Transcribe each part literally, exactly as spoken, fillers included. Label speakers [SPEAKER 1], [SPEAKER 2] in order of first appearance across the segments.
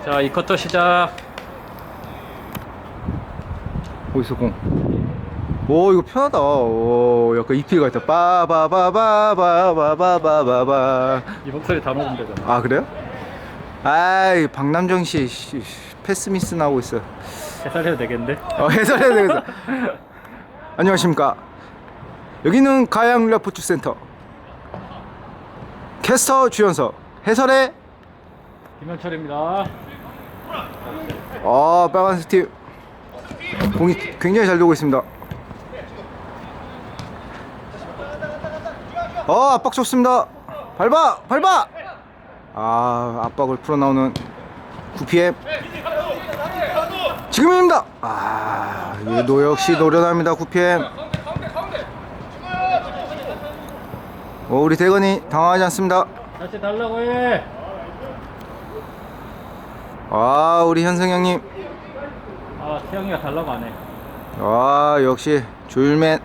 [SPEAKER 1] 자, 이 쿼터 시작.
[SPEAKER 2] 어디서 공? 오, 이거 편하다. 오, 약간 이피가 있다. 빠바바바바바바바바바.
[SPEAKER 1] 이 목소리 다 녹음되잖아.
[SPEAKER 2] 아, 그래요? 아이, 박남정 씨, 씨 패스 미스 나오고 있어.
[SPEAKER 1] 해설해도 되겠는데?
[SPEAKER 2] 어, 해설해야 되겠어. 안녕하십니까. 여기는 가양 레포츠 센터. 캐스터 주연석, 해설의
[SPEAKER 1] 김현철입니다.
[SPEAKER 2] 아, 빨간색 팀 공이 굉장히 잘 돌고 있습니다. 어, 압박 좋습니다. 밟아, 밟아. 아, 압박을 풀어 나오는 구 피엠. 지금입니다. 아, 얘도 역시 노련합니다. 구 피엠. 어, 우리 대건이 당황하지 않습니다.
[SPEAKER 1] 다시 달라고 해.
[SPEAKER 2] 아, 우리 현승 형님.
[SPEAKER 1] 아, 태영이가 달라고 안 해.
[SPEAKER 2] 아, 역시 조율맨.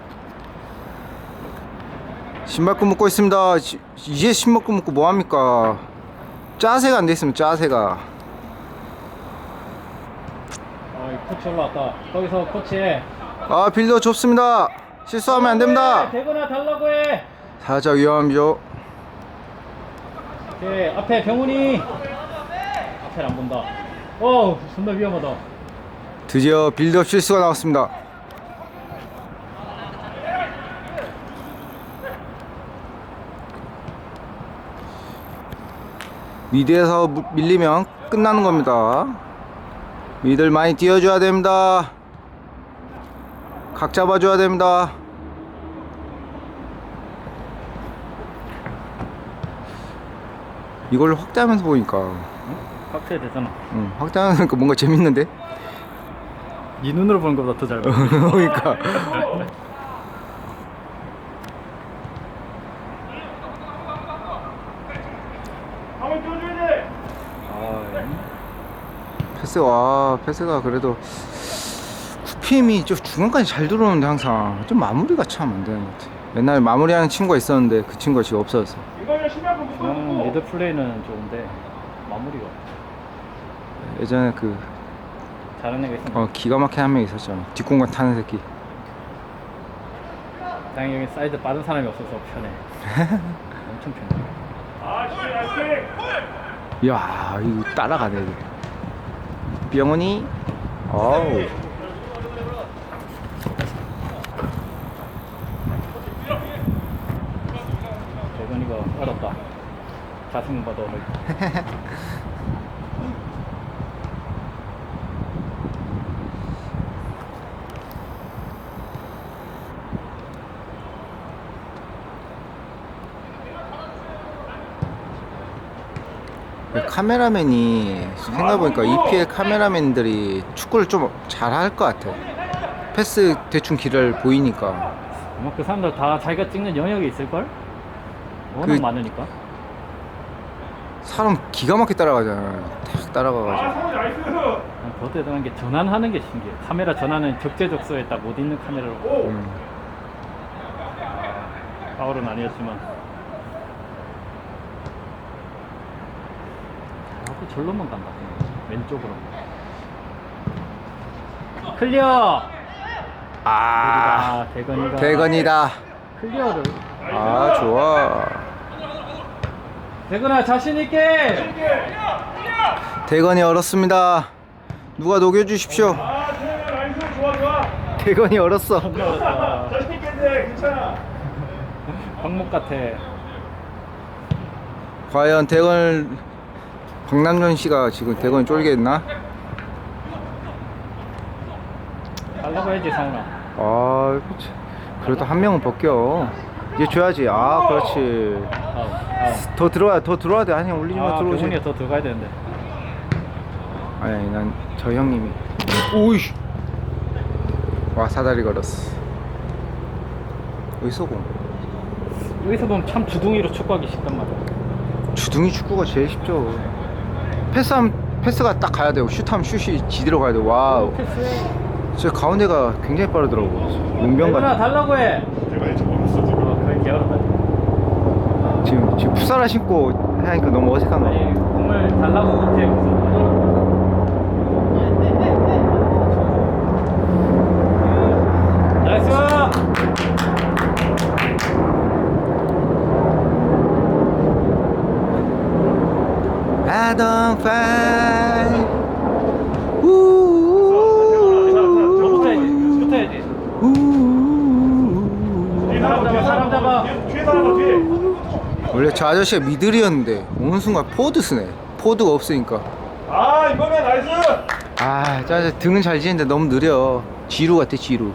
[SPEAKER 2] 신발끈 묶고 있습니다. 지, 이제 신발끈 묶고 뭐합니까? 짜세가 안 돼있으면 짜세가.
[SPEAKER 1] 아, 이 코치 올라왔다. 거기서 코치 해.
[SPEAKER 2] 아, 빌더 좁습니다. 실수하면 안 됩니다.
[SPEAKER 1] 대건아 달라고 해.
[SPEAKER 2] 살짝 위험하죠.
[SPEAKER 1] 오케이, 앞에 병훈이. 앞에 안 본다. 어우, 존나 위험하다.
[SPEAKER 2] 드디어 빌드업 실수가 나왔습니다. 미드에서 밀리면 끝나는 겁니다. 미들 많이 띄워줘야 됩니다. 각 잡아줘야 됩니다. 이걸 확대하면서 보니까
[SPEAKER 1] 확대 되잖아.
[SPEAKER 2] 응, 확대하면서 보니까 뭔가 재밌는데?
[SPEAKER 1] 네 눈으로 보는 것보다 더 잘 보여.
[SPEAKER 2] 그러니까 패스, 와, 패스가 그래도 구 피엠이 좀 중간까지 잘 들어오는데 항상 좀 마무리가 참 안 되는 것 같아. 옛날에 마무리하는 친구가 있었는데 그 친구가 지금 없어졌어.
[SPEAKER 1] 음, 미드 플레이는 좋은데 마무리가
[SPEAKER 2] 예전에 그
[SPEAKER 1] 잘하는 애가 있었는데
[SPEAKER 2] 어, 기가 막힌 한 명 있었잖아. 뒷공간 타는 새끼.
[SPEAKER 1] 다행히 여기 사이드 빠른 사람이 없어서 편해. 엄청 편해.
[SPEAKER 2] 이야, 이거 따라가네. 이거. 병원이 어우.
[SPEAKER 1] 대건이가 어렵다. 자승 봐도 어렵다.
[SPEAKER 2] 카메라맨이 생각해보니까 이피엘 카메라맨들이 축구를 좀 잘할 것 같아. 패스 대충 길을 보이니까.
[SPEAKER 1] 아마 그 사람들 다 자기가 찍는 영역이 있을걸? 워낙
[SPEAKER 2] 그-
[SPEAKER 1] 많으니까.
[SPEAKER 2] 사람 기가 막히게 따라가잖아. 탁 따라가가지고.
[SPEAKER 1] 난 더 대단한 게 전환하는 게 신기해. 카메라 전환은 적재적소에 딱 못 있는 카메라로.
[SPEAKER 2] 음.
[SPEAKER 1] 파울은 아니었지만. 자꾸 절로만 간다. 왼쪽으로. 클리어!
[SPEAKER 2] 아,
[SPEAKER 1] 아, 대건이가.
[SPEAKER 2] 대건이다.
[SPEAKER 1] 클리어를.
[SPEAKER 2] 아, 좋아.
[SPEAKER 1] 대건아, 자신있게!
[SPEAKER 2] 대건이 얼었습니다. 누가 녹여주십시오. 대건이 얼었어.
[SPEAKER 1] 어렵다. 방목 같아.
[SPEAKER 2] 과연 대건, 박남준 씨가 지금 대건이 쫄겠나?
[SPEAKER 1] 달라고 해야지, 상훈아.
[SPEAKER 2] 아, 그치. 그래도 한 명은 벗겨. 이제 줘야지. 아, 그렇지.
[SPEAKER 1] 아우, 아우.
[SPEAKER 2] 더 들어와야, 더 들어와야 돼. 아니, 올리지 마,
[SPEAKER 1] 아,
[SPEAKER 2] 들어오지.
[SPEAKER 1] 병훈이가 더 들어가야 되는데.
[SPEAKER 2] 아니, 아니, 난 저 형님이. 오이씨. 와, 사다리 걸었어. 어디서 공?
[SPEAKER 1] 여기서 보면 참 주둥이로 축구하기 쉽단 말이야.
[SPEAKER 2] 주둥이 축구가 제일 쉽죠. 패스하면 패스가 딱 가야 되고, 슛하면 슛이 지대로 가야 돼. 와우.
[SPEAKER 1] 패스해.
[SPEAKER 2] 저 가운데가 굉장히 빠르더라고. 용병
[SPEAKER 1] 대건아,
[SPEAKER 2] 같아.
[SPEAKER 1] 달라고 해!
[SPEAKER 3] 내가 이제 멀었어 지금.
[SPEAKER 1] 어, 그게 어렵다.
[SPEAKER 2] 지금, 지금 풋살화 신고 하니까 너무 어색한 거.
[SPEAKER 1] 아니, 공을 달라고 못해. 그래서.
[SPEAKER 2] I don't fight.
[SPEAKER 1] 저부터 해야지. 저부터 해야지. 사람 잡아, 사람 잡아.
[SPEAKER 3] 뒤에 사람 뒤에.
[SPEAKER 2] 원래 저 아저씨가 미들이었는데 어느 순간 포드 쓰네. 포드가 없으니까.
[SPEAKER 3] 아 이거면 나이스.
[SPEAKER 2] 아, 저 아저씨 등은 잘 지는데 너무 느려. 지루 같아, 지루.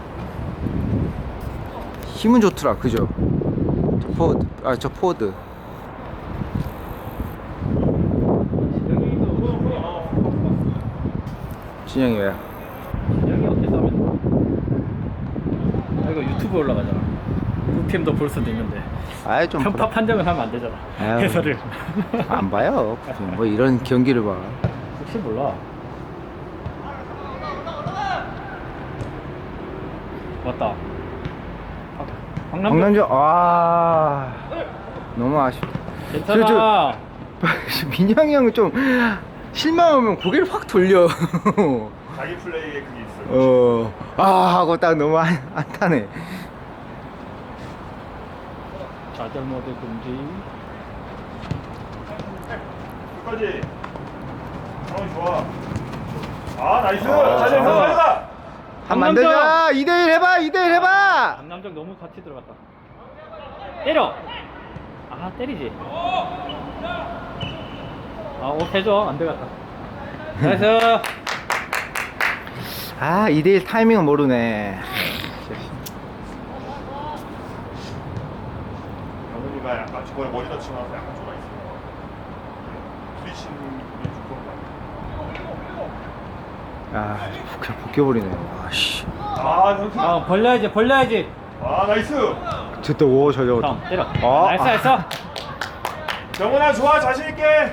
[SPEAKER 2] 힘은 좋더라, 그죠? 저 포드, 아, 저 포드. 진영이 왜?
[SPEAKER 1] 여기 어떻게 싸면? 아 이거 유튜브 올라가잖아. 유피엠도 볼 수도 있는데
[SPEAKER 2] 아이, 좀.
[SPEAKER 1] 편파 판정은 하면 안 되잖아.
[SPEAKER 2] 아유.
[SPEAKER 1] 해설을.
[SPEAKER 2] 안 봐요. 뭐 이런 경기를 봐.
[SPEAKER 1] 혹시 몰라. 왔다. 강남도
[SPEAKER 2] 강남주, 아. 너무 아쉽다.
[SPEAKER 1] 괜찮아.
[SPEAKER 2] 민영이 형은 좀 실망하면 고개를 확 돌려.
[SPEAKER 3] 자기 플레이에 그게 있어요.
[SPEAKER 2] 어, 아 하고 딱 너무 안, 안 타네.
[SPEAKER 1] 좌절 모드 금지.
[SPEAKER 3] 끝까지. 상황이 좋아. 아 나이스.
[SPEAKER 2] 아,
[SPEAKER 3] 자리
[SPEAKER 2] 아.
[SPEAKER 3] 가자.
[SPEAKER 2] 한 만들자. 이 대 일 해봐. 이 대 일 해봐.
[SPEAKER 1] 강남정 너무 같이 들어갔다. 때려. 아 때리지. 아 옷 해줘. 안 들어갔다. 나이스.
[SPEAKER 2] 아, 이 대 일 타이밍은 모르네.
[SPEAKER 3] 영훈이가 약간 저번에 머리 다치고 나서 약간 좁아 있어. 부딪히는 게 조금.
[SPEAKER 2] 아, 그냥 벗겨버리네. 아씨.
[SPEAKER 3] 아 현수.
[SPEAKER 1] 아 벌려야지 벌려야지.
[SPEAKER 3] 아 나이스.
[SPEAKER 2] 됐다. 오, 잘 잡았다.
[SPEAKER 1] 다음 때려.
[SPEAKER 2] 아,
[SPEAKER 1] 나이스
[SPEAKER 2] 아.
[SPEAKER 1] 나이스.
[SPEAKER 3] 정훈아 좋아 자신 있게.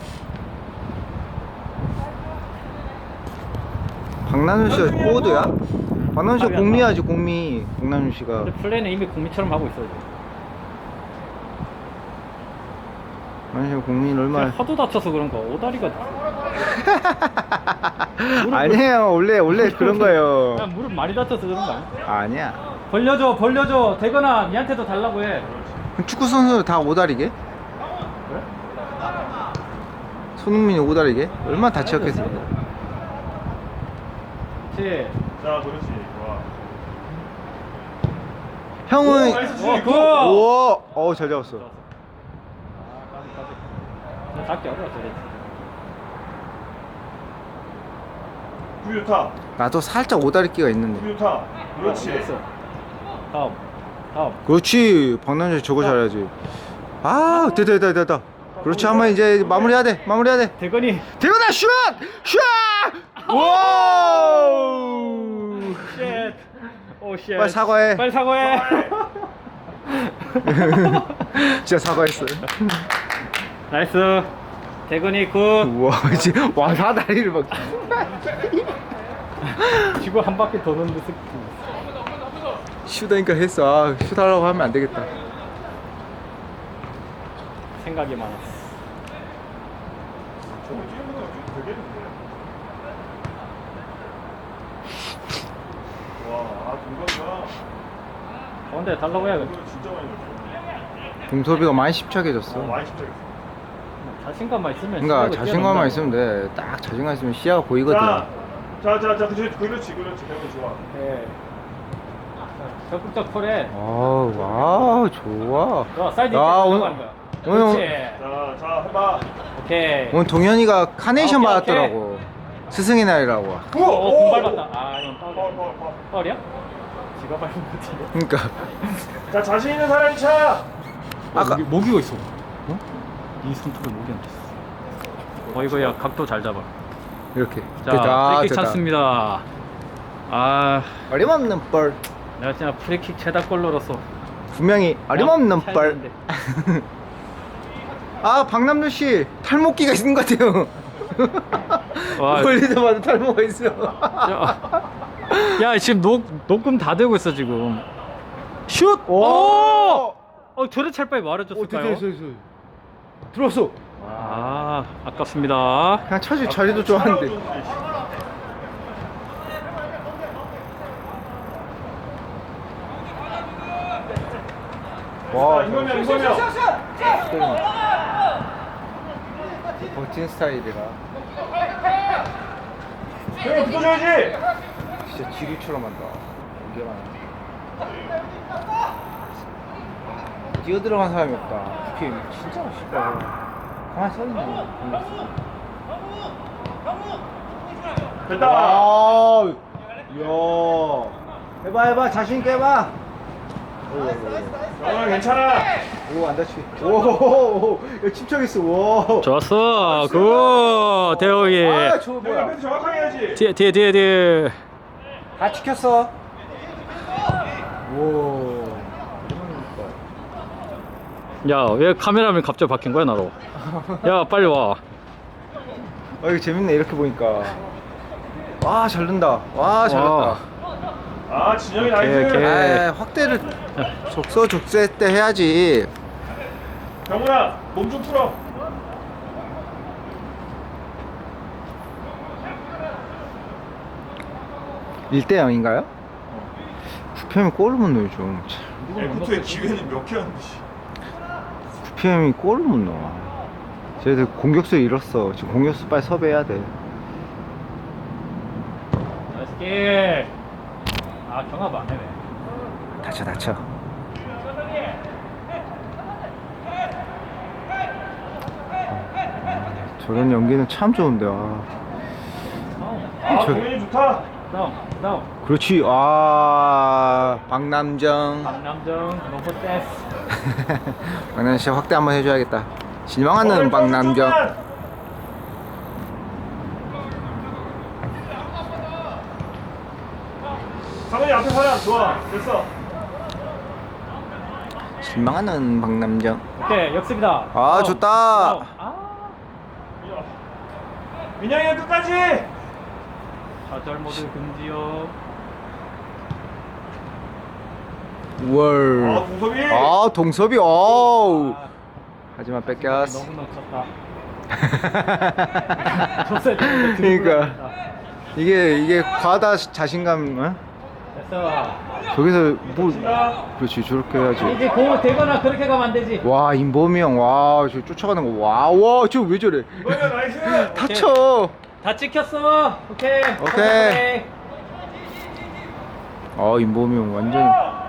[SPEAKER 2] 박남준 씨가 포워드야? 박남준 씨가 공미하지, 공미. 박남준 씨가.
[SPEAKER 1] 근데 플레이는 이미 공미처럼 하고 있어요.
[SPEAKER 2] 박남준 씨가 공미는 얼마나.
[SPEAKER 1] 하도 다쳐서 그런가 오다리가.
[SPEAKER 2] 아니에요. 원래, 원래 그런 거예요.
[SPEAKER 1] 그냥 무릎 많이 다쳐서 그런 거 아니야?
[SPEAKER 2] 아니야.
[SPEAKER 1] 벌려줘 벌려줘. 되거나 니한테도 달라고 해.
[SPEAKER 2] 그럼 축구 선수들 다 오다리게?
[SPEAKER 1] 그래?
[SPEAKER 2] 손흥민이 오다리게? 얼마나 다치었겠어.
[SPEAKER 1] 그렇지.
[SPEAKER 3] 자 그렇지. 좋아.
[SPEAKER 2] 형은.
[SPEAKER 3] 오, 나이스.
[SPEAKER 1] 어, 굿!
[SPEAKER 2] 우와, 어우, 잘 잡았어.
[SPEAKER 1] 좋았어. 아, 까비, 까비. 나 작게 어려워, 저래.
[SPEAKER 3] 구 좋다.
[SPEAKER 2] 나도 살짝 오다리끼가 있는데.
[SPEAKER 3] 구 좋다. 그렇지.
[SPEAKER 1] 됐어. 다음. 다음.
[SPEAKER 2] 그렇지. 박남준 저거 잘해야지. 아, 됐다, 됐다, 됐다. 그렇지. 한번 이제 마무리해야 돼. 마무리해야 돼.
[SPEAKER 1] 대건이.
[SPEAKER 2] 대건아, 슛! 슛! 와우!
[SPEAKER 1] 쉣. 오, 쉣.
[SPEAKER 2] 빨리 사과해.
[SPEAKER 1] 빨리 사과해.
[SPEAKER 2] 진짜 사과했어.
[SPEAKER 1] 나이스. 대건이 굿.
[SPEAKER 2] 우와, 이제 와, 사다리를 막.
[SPEAKER 1] 지구 한 바퀴 도는 듯이.
[SPEAKER 2] 슛하니까 했어. 아, 슛하려고 하면 안 되겠다.
[SPEAKER 1] 생각이 많았어.
[SPEAKER 3] 저거 뛰는 거 좀 되겠는데. 와, 아 동건이가
[SPEAKER 1] 가운데 달라고 해야겠다.
[SPEAKER 3] 이거 진짜 많이 넣었어.
[SPEAKER 2] 동섭이가 많이
[SPEAKER 3] 어,
[SPEAKER 2] 십착해졌어.
[SPEAKER 3] 많이 집착했어.
[SPEAKER 1] 자신감만 있으면.
[SPEAKER 2] 그러니까
[SPEAKER 1] 실력을
[SPEAKER 2] 자신감만
[SPEAKER 1] 뛰어넘는다고.
[SPEAKER 2] 있으면 돼. 딱 자신감 있으면 시야가 보이거든.
[SPEAKER 3] 자, 자, 자, 자, 그렇지, 그렇지, 그렇지, 대건 좋아.
[SPEAKER 1] 예. 자, 적극적 콜해.
[SPEAKER 2] 아, 와, 좋아.
[SPEAKER 1] 좋아, 사이드
[SPEAKER 2] 야,
[SPEAKER 1] 있게
[SPEAKER 2] 오늘-
[SPEAKER 1] 들어가는 거야.
[SPEAKER 2] 오늘-
[SPEAKER 1] 그렇지.
[SPEAKER 3] 자, 자, 해봐.
[SPEAKER 1] 오케이.
[SPEAKER 2] 오늘 동현이가 카네이션
[SPEAKER 1] 오케이,
[SPEAKER 2] 받았더라고. 스승의 날이라고.
[SPEAKER 3] 오,
[SPEAKER 1] 어, 공 밟았다. 아, 이건
[SPEAKER 3] 파울,
[SPEAKER 1] 파울이야.
[SPEAKER 3] 파울, 파울.
[SPEAKER 1] 파울이야? 지가 밟은 거 같은데.
[SPEAKER 2] 그러니까
[SPEAKER 3] 자, 자신 있는 사람이 차.
[SPEAKER 2] 아까-
[SPEAKER 1] 목이, 목이가 있어. 어? 이 손톱에 목이 안 됐어. 어, 이거 야, 각도 잘 잡아.
[SPEAKER 2] 이렇게.
[SPEAKER 1] 자,
[SPEAKER 2] 됐다.
[SPEAKER 1] 프리킥
[SPEAKER 2] 됐다.
[SPEAKER 1] 찬스입니다. 아,
[SPEAKER 2] 어림없는 뻘.
[SPEAKER 1] 내가 진짜 프리킥 최다골로로서
[SPEAKER 2] 분명히 어림없는
[SPEAKER 1] 차야
[SPEAKER 2] 뻘.
[SPEAKER 1] 되는데.
[SPEAKER 2] 아, 박남준 씨 탈모기가 있는 것 같아요.
[SPEAKER 1] 와.
[SPEAKER 2] 멀리서 탈모가 있어.
[SPEAKER 1] 야, 야, 지금 녹 녹음 다 되고 있어 지금. 슛!
[SPEAKER 2] 오!
[SPEAKER 1] 오! 어, 저래 찰 바에
[SPEAKER 2] 오,
[SPEAKER 1] 말해줬을까요?
[SPEAKER 2] 됐어, 됐어, 됐어. 들어왔어.
[SPEAKER 1] 아, 아깝습니다.
[SPEAKER 2] 그냥 쳐줄 자리도 좋았는데.
[SPEAKER 3] 와,
[SPEAKER 2] 와,
[SPEAKER 3] 이거면, 이거면.
[SPEAKER 2] 버틴 스타일이라
[SPEAKER 3] 형이 붙어줘야지.
[SPEAKER 2] 진짜 지루처럼 한다. 연결하는. 뛰어 들어간 사람이 없다. 피엠 진짜 쉽다. 가만히 서 있네.
[SPEAKER 3] 됐다.
[SPEAKER 2] 와, 야, 해봐 해봐 자신 있게 해봐.
[SPEAKER 3] 영아 괜찮아.
[SPEAKER 2] 오, 안 다치게. 오, 야, 침착했어. 와.
[SPEAKER 1] 좋았어. 굿. 대호이.
[SPEAKER 2] 아, 저
[SPEAKER 3] 형이
[SPEAKER 2] 뭐야?
[SPEAKER 3] 앞에서 정확하게 해야지.
[SPEAKER 1] 뒤에 뒤에 뒤에 뒤에.
[SPEAKER 2] 다 지켰어. 오.
[SPEAKER 1] 야, 왜 카메라맨 갑자기 바뀐 거야 나로? 야, 빨리 와.
[SPEAKER 2] 아, 이거 재밌네 이렇게 보니까. 와, 잘 넣는다. 와, 잘 넣었다.
[SPEAKER 3] 아 진영이
[SPEAKER 1] 오케이,
[SPEAKER 3] 나이스.
[SPEAKER 1] 오케이.
[SPEAKER 2] 아, 확대를 적서적세 때 해야지.
[SPEAKER 3] 병훈아 몸 좀 풀어.
[SPEAKER 2] 일 대 영인가요? 구피엠이 골을 못 넣어요 좀.
[SPEAKER 3] 에코토의 기회는 몇 개였는데.
[SPEAKER 2] 구피엠이 골을 못 넣어. 쟤들 공격수 잃었어. 지금 공격수 빨리 섭외해야 돼.
[SPEAKER 1] 나이스 길. 아, 경합 안 해. 왜?
[SPEAKER 2] 다쳐 다쳐. 저런 연기는 참 좋은데. 아.
[SPEAKER 3] 아
[SPEAKER 2] 저-
[SPEAKER 3] 공연이 좋다.
[SPEAKER 1] 다운, 다운.
[SPEAKER 2] 그렇지. 아, 박남정.
[SPEAKER 1] 박남정, 노포 댄스.
[SPEAKER 2] 박남정 씨 확대 한번 해줘야겠다. 실망하는 박남정.
[SPEAKER 3] 상훈이 앞에 사람 좋아. 됐어.
[SPEAKER 2] 실망하는 박남정.
[SPEAKER 1] 오케이, 역습이다.
[SPEAKER 2] 아,
[SPEAKER 1] 다운,
[SPEAKER 2] 좋다.
[SPEAKER 1] 다운. 아,
[SPEAKER 3] 민영이가 끝까지.
[SPEAKER 1] 좌절 모드 금지요.
[SPEAKER 2] 월.
[SPEAKER 3] 아 동섭이.
[SPEAKER 2] 아, 동섭이. 어우.
[SPEAKER 1] 아,
[SPEAKER 2] 하지만 뺏겼어.
[SPEAKER 1] 너무 놓쳤다. 줬어야 되는데 들고
[SPEAKER 2] 그러니까.
[SPEAKER 1] 나갔다.
[SPEAKER 2] 이게 이게 과다 자신감. 어?
[SPEAKER 1] 됐어.
[SPEAKER 2] 저기서 뭐
[SPEAKER 3] 자,
[SPEAKER 2] 그렇지 저렇게 해야지.
[SPEAKER 1] 이제 공을 대거나 그렇게 가면 안 되지.
[SPEAKER 2] 와, 임범이 형. 와, 저 쫓아가는 거. 와, 와, 저 왜 저래?
[SPEAKER 3] 이거야 나이스.
[SPEAKER 2] 다쳐.
[SPEAKER 1] 다 찍혔어. 오케이.
[SPEAKER 2] 오케이. 아, 임범이 형 완전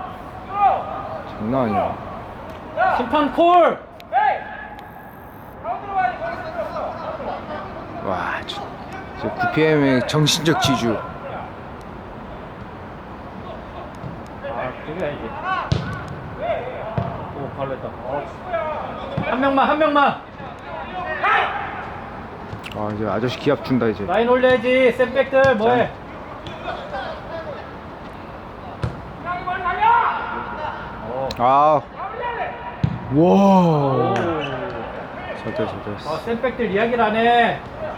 [SPEAKER 2] 장난 아니야.
[SPEAKER 1] 심판 콜.
[SPEAKER 2] 와, 저, 저 구피엠의 정신적 지주.
[SPEAKER 1] 아, 그게 아니지. 오, 발로 했다. 한 명만, 한 명만.
[SPEAKER 2] 아, 이제 아저씨 기합 준다 이제.
[SPEAKER 1] 라인 올려야지. 샌백들 뭐해? 어.
[SPEAKER 2] 아, 와.
[SPEAKER 1] 오.
[SPEAKER 2] 잘돼 잘돼.
[SPEAKER 1] 아, 샌백들 이야기를 안 해.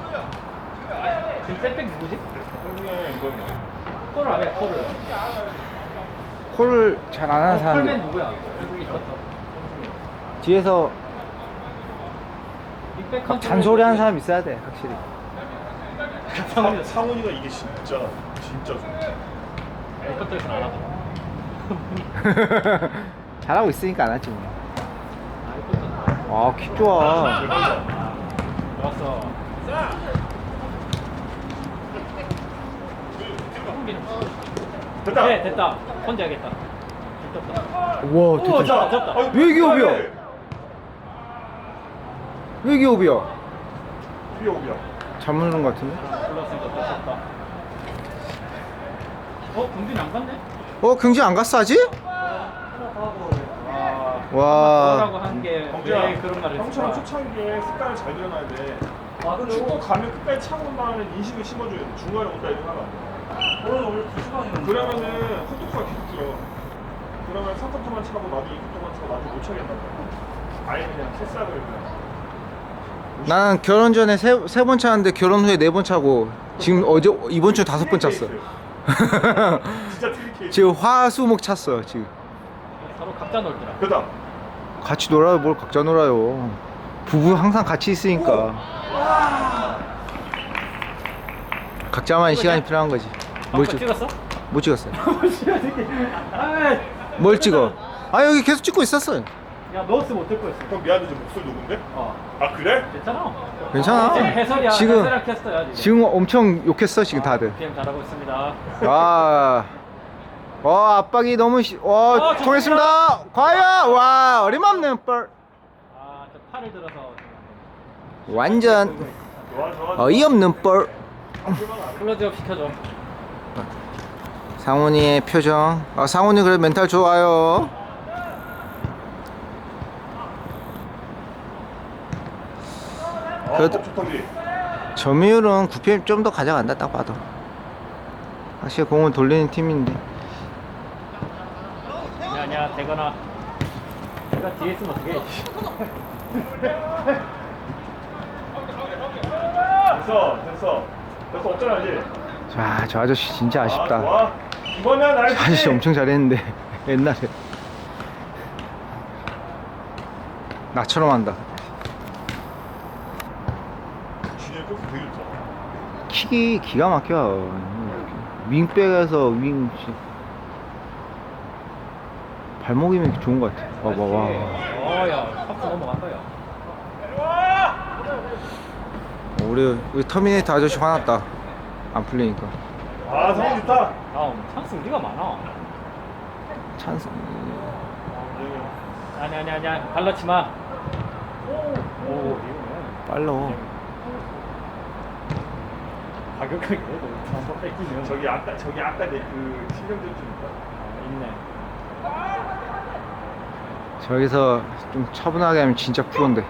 [SPEAKER 1] 지금 샌백 누구지? 콜을 안 해, 콜을.
[SPEAKER 2] 콜을 잘 안 하는
[SPEAKER 1] 어, 콜맨
[SPEAKER 2] 사람들.
[SPEAKER 1] 누구야? 누구 있었어?
[SPEAKER 2] 뒤에서
[SPEAKER 1] 빅백
[SPEAKER 2] 막 잔소리 하는 사람 있어야 돼, 확실히.
[SPEAKER 3] 상, 상훈이가 이게 진짜 진짜 좋아.
[SPEAKER 1] 에이컨트에서 안 하더라.
[SPEAKER 2] 잘하고 있으니까 안 하지 뭐.
[SPEAKER 1] 아, 에이컨트.
[SPEAKER 2] 아, 킥 좋아.
[SPEAKER 1] 좋았어.
[SPEAKER 3] 됐다.
[SPEAKER 1] 네, 됐다. 혼자 하겠다. 됐다.
[SPEAKER 2] 와,
[SPEAKER 1] 오,
[SPEAKER 2] 됐다.
[SPEAKER 1] 잡다, 잡다.
[SPEAKER 3] 아이고,
[SPEAKER 2] 왜 기업이야?
[SPEAKER 3] 그만해.
[SPEAKER 2] 왜 기업이야?
[SPEAKER 3] 뒤에 오비야.
[SPEAKER 2] 잘못 누른 것 같은데?
[SPEAKER 1] 불렀으니까 떴었다. 어, 공준이 안 갔네?
[SPEAKER 2] 어, 경진 안 갔어 아직?
[SPEAKER 1] 와.
[SPEAKER 2] 와.
[SPEAKER 1] 라고 한 게 왜 그런 말을
[SPEAKER 3] 형처럼
[SPEAKER 1] 했을까?
[SPEAKER 3] 초창기에 습관을 잘 들여놔야 돼.
[SPEAKER 1] 아, 근데
[SPEAKER 3] 축구 가면 끝까지 차고 온다는 인식을 심어줘야 돼. 중간에 온다 이렇게 하면 안 돼.
[SPEAKER 1] 오늘 원래 두 시간이었는데.
[SPEAKER 3] 그러면은 헛독수가 계속 들어. 그러면 삼 쿼터만 차고 나도 이 쿼터만 차고 나도 못 차겠단 말이야. 아예 그냥 패스하고 그냥.
[SPEAKER 2] 나는 결혼 전에 세 세 번 차는데 결혼 후에 네 번 차고 지금 어제 이번 주 다섯 번 찼어.
[SPEAKER 3] 진짜 트리케이스.
[SPEAKER 2] 지금 화수목 찼어 지금.
[SPEAKER 1] 서로 각자 놀더라.
[SPEAKER 3] 그다.
[SPEAKER 2] 같이 놀아요. 뭘 각자 놀아요. 부부 항상 같이 있으니까. 각자만의 시간이 필요한 거지. 뭘
[SPEAKER 1] 방금
[SPEAKER 2] 찍?
[SPEAKER 1] 찍었어?
[SPEAKER 2] 못 찍었어요.
[SPEAKER 1] 아,
[SPEAKER 2] 뭘 찍어? 아, 여기 계속 찍고 있었어요.
[SPEAKER 1] 야, 넣었으면 어떨 거였어?
[SPEAKER 3] 형 미안해 저 목소리 녹은데?
[SPEAKER 1] 어,
[SPEAKER 3] 아 그래?
[SPEAKER 1] 괜찮아.
[SPEAKER 2] 괜찮아.
[SPEAKER 1] 지금 해설이야.
[SPEAKER 2] 지금
[SPEAKER 1] 해설이랑 캐스터야 지금.
[SPEAKER 2] 지금 엄청 욕했어 지금 다들.
[SPEAKER 1] 피엠 잘하고 있습니다.
[SPEAKER 2] 아, 와 압박이 너무 시, 와
[SPEAKER 1] 어,
[SPEAKER 2] 통했습니다. 과연 와 어림없는 뻘.
[SPEAKER 1] 아저 팔을 들어서
[SPEAKER 2] 완전
[SPEAKER 3] 좋아 좋아.
[SPEAKER 2] 어이없는 뻘.
[SPEAKER 1] 클로즈업 시켜줘.
[SPEAKER 2] 상훈이의 표정. 아 상훈이 그래 멘탈 좋아요.
[SPEAKER 3] 어,
[SPEAKER 2] 그래도-
[SPEAKER 3] 좋다지.
[SPEAKER 2] 점유율은 구 피엠 좀 더 가져간다 딱 봐도. 확실히 공을 돌리는 팀인데.
[SPEAKER 1] 아니야 아니야 되거나. 내가 뒤에 있으면 어떡해.
[SPEAKER 3] 됐어 됐어 됐어 어쩌나 이제.
[SPEAKER 2] 자, 저 아저씨 진짜 아쉽다.
[SPEAKER 3] 아, 좋아. 이거면
[SPEAKER 2] 저
[SPEAKER 3] 알지.
[SPEAKER 2] 아저씨 엄청 잘했는데 옛날에 나처럼 한다.
[SPEAKER 3] 준이 골프 되게 좋다.
[SPEAKER 2] 킥이 기가 막혀. 윙백에서 윙 씨. 발목이면 좋은 것 같아. 봐봐 와.
[SPEAKER 1] 어야 박스 넘어간 거야.
[SPEAKER 2] 우리 우리 터미네이터 아저씨 화났다. 안 풀리니까.
[SPEAKER 3] 아 상황 좋다.
[SPEAKER 1] 다음 찬스 우리가 많아.
[SPEAKER 2] 찬스.
[SPEAKER 1] 아니 아니 아니야 발라치 마. 오 이거네.
[SPEAKER 2] 빨라.
[SPEAKER 1] 가격하게 해도 한번 뺏기면
[SPEAKER 3] 저기 아까 저기 아까 내 그 신경들 좀 있다.
[SPEAKER 1] 있네.
[SPEAKER 2] 저기서 좀 차분하게 하면 진짜 프로인데.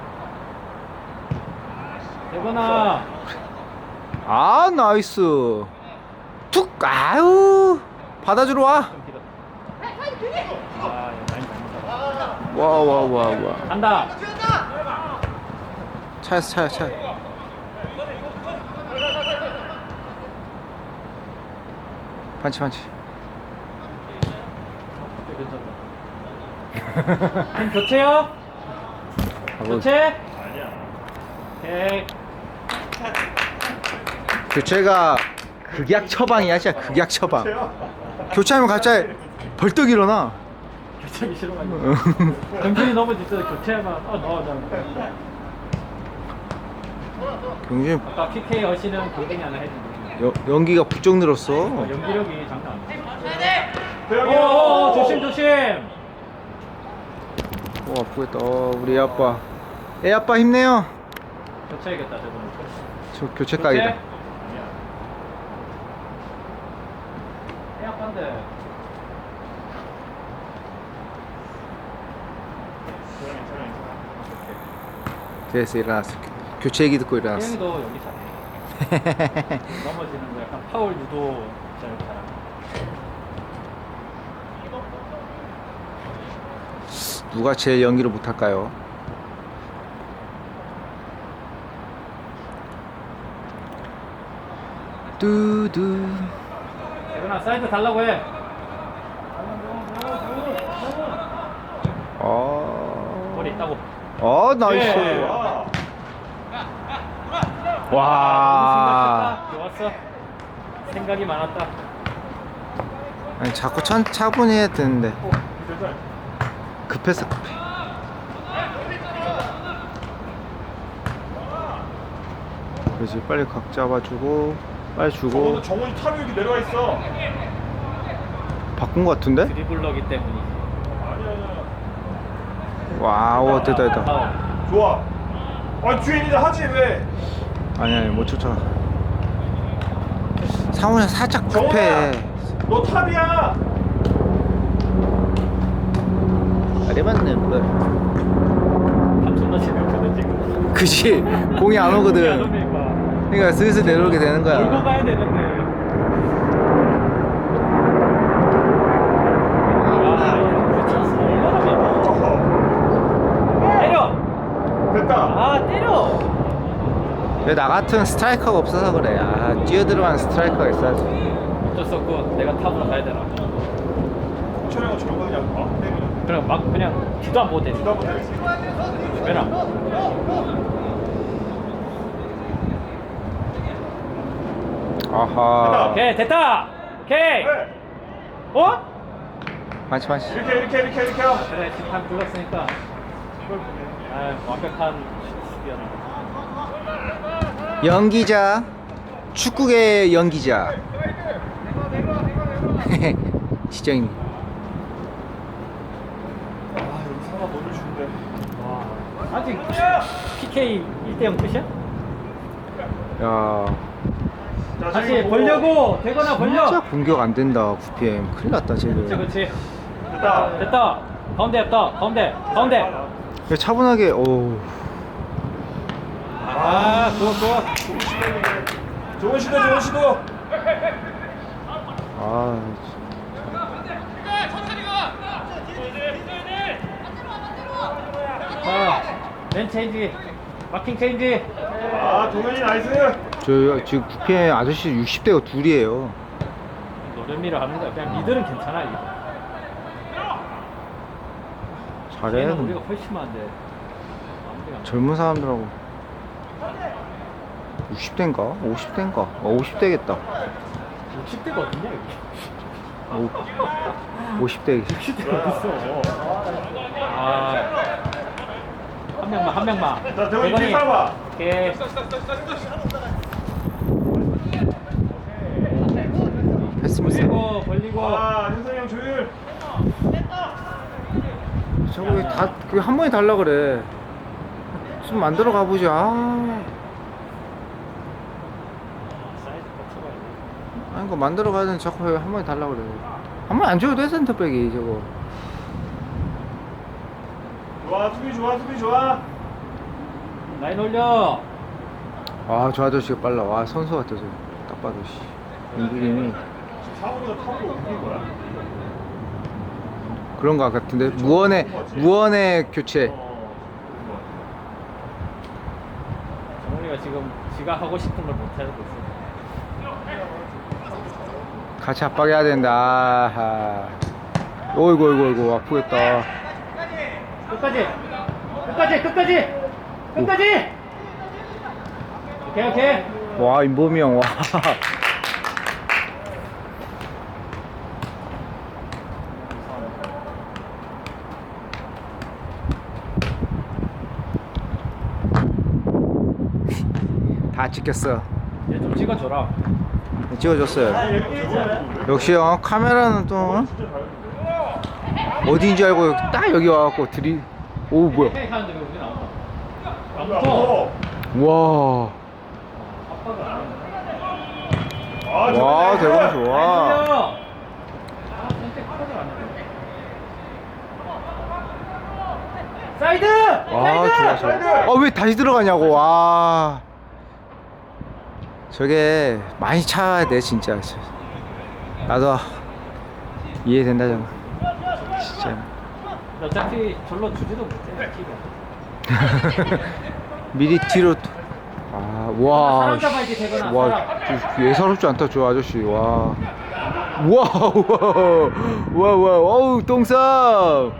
[SPEAKER 1] 되거나.
[SPEAKER 2] 아 나이스. 툭 아유 받아주러 와.
[SPEAKER 1] 좀 길어. 아 이거 라인 잘못하다.
[SPEAKER 2] 와 와 와 와.
[SPEAKER 1] 간다.
[SPEAKER 2] 차였어 차였어 차. 판치 판치.
[SPEAKER 1] 괜찮다. 팀 교체요? 교체?
[SPEAKER 3] 아니야.
[SPEAKER 1] 오케이.
[SPEAKER 2] 교체가 극약 처방이야 진짜 극약 처방.
[SPEAKER 3] 최야.
[SPEAKER 2] 교체하면 갑자기 벌떡 일어나.
[SPEAKER 1] 교체하기 싫어가지고. 정신이 넘어질 때 교체하면 어 넣어줘.
[SPEAKER 2] 경준이
[SPEAKER 1] 아까 피케이 어시는 골뱅이 하나 해주고.
[SPEAKER 2] 여, 연기가 부쩍 늘었어.
[SPEAKER 1] 어, 연기력이 장난 아니야.
[SPEAKER 3] 대형이
[SPEAKER 1] 오,
[SPEAKER 3] 형.
[SPEAKER 1] 조심 조심.
[SPEAKER 2] 오 아프겠다. 어, 우리 애 아빠. 애 아빠 힘내요.
[SPEAKER 1] 교체해야겠다 저번에.
[SPEAKER 2] 저 교체 각이다.
[SPEAKER 1] 아니야. 애 아빠인데.
[SPEAKER 3] 괜찮아 괜찮아.
[SPEAKER 2] 됐어 일어났어. 교체 얘기 듣고 일어났어.
[SPEAKER 1] 태영이도 연기 잘해. 넘어지는 거 약간 파울 유도 잘 잘하고.
[SPEAKER 2] 누가 제일 연기를 못할까요? 뚜두.
[SPEAKER 1] 대근아 사이드 달라고 해.
[SPEAKER 2] 어.
[SPEAKER 1] 머리 있다고.
[SPEAKER 2] 어 나이스.
[SPEAKER 1] 예.
[SPEAKER 3] 와.
[SPEAKER 2] 와.
[SPEAKER 1] 너무 생각했다. 좋았어. 생각이 많았다.
[SPEAKER 2] 아니 자꾸 천 차분히 해야 되는데
[SPEAKER 3] 괜찮아.
[SPEAKER 2] 급했어 급해. 그렇지 빨리 각 잡아주고 빨리 주고.
[SPEAKER 3] 저거는 정훈이 탑이 여기 내려와 있어.
[SPEAKER 2] 바꾼 거 같은데?
[SPEAKER 1] 드리블러기 때문이지.
[SPEAKER 3] 아니야 아니야.
[SPEAKER 2] 와우 됐다 됐다.
[SPEAKER 1] 파울.
[SPEAKER 3] 좋아. 아 뒤에 있는데 하지 왜?
[SPEAKER 2] 아니 아니 못 쫓아. 상훈이 살짝
[SPEAKER 3] 정훈아.
[SPEAKER 2] 급해.
[SPEAKER 3] 너 탑이야.
[SPEAKER 2] 아래 맞는 걸.
[SPEAKER 1] 밥 존나 재미없거든 지금.
[SPEAKER 2] 그치 공이 안
[SPEAKER 1] 안
[SPEAKER 2] 오거든.
[SPEAKER 1] 오니까.
[SPEAKER 2] 그러니까 슬슬 내려오게 되는
[SPEAKER 1] 몰고
[SPEAKER 2] 거야.
[SPEAKER 1] 가야 되는데. 아, 이거 찬스 얼마나 많아.
[SPEAKER 3] 어허.
[SPEAKER 1] 때려.
[SPEAKER 3] 됐다.
[SPEAKER 1] 아 때려.
[SPEAKER 2] 왜 나 같은 스트라이커가 없어서 그래. 아 뛰어들어가는 스트라이커가 있어야지.
[SPEAKER 1] 어쩔 수 없고 내가 탑으로 가야 되나.
[SPEAKER 3] 촬영은 저런 거 그냥 막 때리는.
[SPEAKER 1] 그냥 막 그냥 뒤도 안 보고 때려.
[SPEAKER 3] 뒤도 한번 때리지.
[SPEAKER 1] 빼라.
[SPEAKER 2] 아하.
[SPEAKER 1] 오케이 됐다. 오케이.
[SPEAKER 3] 네.
[SPEAKER 1] 어?
[SPEAKER 2] 많지 많지.
[SPEAKER 3] 이렇게 이렇게 이렇게 이렇게 하면.
[SPEAKER 1] 그래 지금 한 불렀으니까. 아 완벽한 수비였네.
[SPEAKER 2] 연기자, 축구계 연기자. 지정입니다.
[SPEAKER 3] 아 여기 사람 너무 준대.
[SPEAKER 1] 와, 아직 피케이 일 대 영 끝이야?
[SPEAKER 2] 야,
[SPEAKER 3] 자,
[SPEAKER 1] 다시
[SPEAKER 3] 지금
[SPEAKER 1] 벌려고 되거나 벌려.
[SPEAKER 2] 진짜 공격 안 된다. 구피엠 큰일 났다
[SPEAKER 1] 그렇지,
[SPEAKER 2] 쟤들.
[SPEAKER 1] 그렇지.
[SPEAKER 3] 됐다.
[SPEAKER 1] 됐다. 가운데 없다. 가운데, 가운데.
[SPEAKER 2] 야, 차분하게. 오.
[SPEAKER 1] 아, 좋아, 좋아.
[SPEAKER 3] 좋은 시도 좋은 시도.
[SPEAKER 2] 아.
[SPEAKER 1] 자, 맨 체인지, 마킹 체인지.
[SPEAKER 3] 아 동현이 나이스.
[SPEAKER 2] 저 지금 구피엠 아저씨 육십 대가 둘이에요.
[SPEAKER 1] 노련미를 하는 거야. 그냥 미들은 괜찮아 이거.
[SPEAKER 2] 잘해.
[SPEAKER 1] 걔는 우리가 훨씬 많은데. 아무데가 안 돼.
[SPEAKER 2] 젊은 사람들하고 육십 대인가? 오십 대인가? 어, 오십 대겠다.
[SPEAKER 1] 육십 대가 어딨냐 여기?
[SPEAKER 2] 오, 오십 대.
[SPEAKER 1] 육십 대가 어딨어? 아, 한 명만, 한 명만.
[SPEAKER 3] 자 대원이 뒤에 살아봐.
[SPEAKER 1] 오케이.
[SPEAKER 2] 패스미스.
[SPEAKER 1] 벌리고, 벌리고.
[SPEAKER 3] 아 현성이 형 조율.
[SPEAKER 2] 저거 왜 다, 그 한 번에 달라 그래. 좀 만들어 가보자. 아.
[SPEAKER 1] 사이즈 맞춰봐야 돼.
[SPEAKER 2] 아니, 그 만들어 가야 되는 자꾸 왜 한 번에 달라 그래. 한 번에 안 줘도 돼, 센터백이, 저거.
[SPEAKER 3] 좋아 수비 좋아 수비 좋아.
[SPEAKER 1] 라인 올려.
[SPEAKER 2] 아, 저 아저씨가 빨라. 와, 선수 같아, 저. 딱 봐도, 씨. 움직임이.
[SPEAKER 3] 사고보다 탑으로 옮긴 거야?
[SPEAKER 2] 그런 거 같은데. 무언의, 무언의 교체.
[SPEAKER 3] 어.
[SPEAKER 1] 정훈이가 지금 지가 하고 싶은 걸 못하고 있어.
[SPEAKER 2] 같이 압박해야 된다. 아하. 어이구, 어이구, 어이구, 아프겠다.
[SPEAKER 1] 끝까지, 끝까지, 끝까지, 끝까지. 오케이, 오케이.
[SPEAKER 2] 와, 임범이 형, 와. 다 찍혔어.
[SPEAKER 1] 얘 좀 찍어줘라.
[SPEAKER 2] 찍어줬어요. 역시 어, 카메라는 또 어? 어디인지 알고 딱 여기 와갖고 들이. 오, 뭐야.
[SPEAKER 1] 헤이 하는데 왜 우리 나온다?
[SPEAKER 3] 안
[SPEAKER 1] 안 붙어.
[SPEAKER 3] 붙어.
[SPEAKER 2] 와.
[SPEAKER 1] 아빠가 안
[SPEAKER 3] 아
[SPEAKER 2] 와,
[SPEAKER 3] 좋네.
[SPEAKER 2] 대박 좋아.
[SPEAKER 1] 아, 선택 커져 안 돼. 사이드!
[SPEAKER 2] 아, 좋아,
[SPEAKER 1] 사이드!
[SPEAKER 2] 좋아. 아, 왜 다시 들어가냐고. 와. 저게 많이 차야 돼, 진짜. 나도 이해된다, 좀. 진짜.
[SPEAKER 1] 어차피 절로 주지도 못해, 키가.
[SPEAKER 2] 미리 뒤로. 또- 아, 와.
[SPEAKER 1] 사람 잡아야지, 되거나,
[SPEAKER 2] 와,
[SPEAKER 1] 사람.
[SPEAKER 2] 저- 예사롭지 않다, 저 아저씨. 와. 와, 와, 와, 와, 어우, 똥싸.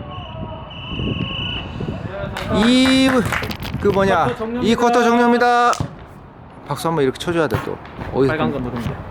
[SPEAKER 2] 이, 그 뭐냐,
[SPEAKER 1] 쿼터 종료입니다.
[SPEAKER 2] 이 쿼터 종료입니다. 박수 한번 이렇게 쳐줘야 돼, 또. 어디서
[SPEAKER 1] 빨간
[SPEAKER 2] 또-
[SPEAKER 1] 거 누르면 돼.